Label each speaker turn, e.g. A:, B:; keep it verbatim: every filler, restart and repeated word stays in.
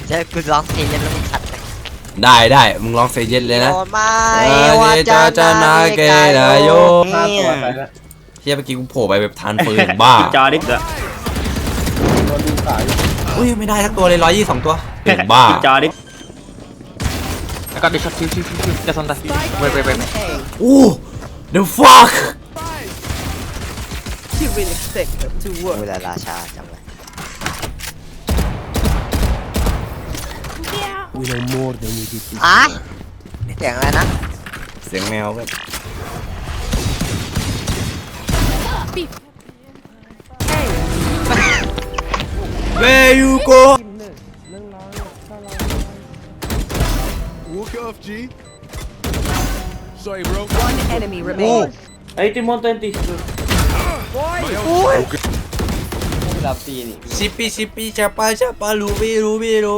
A: เดี๋ยวกูร้องเพลงแล้วมึงขัดเลย
B: ได้ได้มึงลองเซเย็นเลยนะ
A: โดนไม้
B: เออ
A: ว่า
B: จะ
A: จะ
B: จะ
A: นา
B: นา
A: เก
B: เก
A: ย
B: นายโย
C: ห้าตัวไปแล้ว
B: เฮียเมื่อกี้กูโผล่ไปแบบทานปืนบ้า
D: จอดิกอะ
C: โดนดูสาย
B: อุ้ยไม่ได้ทั้งตัวเลยร้อยยี่สองตัวเป็นบ้า
D: จอดิก
E: แล้วก็ดิช็อตคิวคิวคิวคิวจะซันตาเว้ยเว้ยเว้ย
B: อู้ the fuck
A: เวลาราชาจังเลย
F: We know more than we did.
A: อ่ะเสียงอะไรนะ
B: เสียงแมวเว้ย Where you go
G: Walk it off, G. Sorry, bro.
H: One enemy remains.
D: ไอ้ติมอนเตนติ
C: รับตีนี่
B: ชิปปี้ชิปปี้ชาปาชาปาลูบิลูบิลู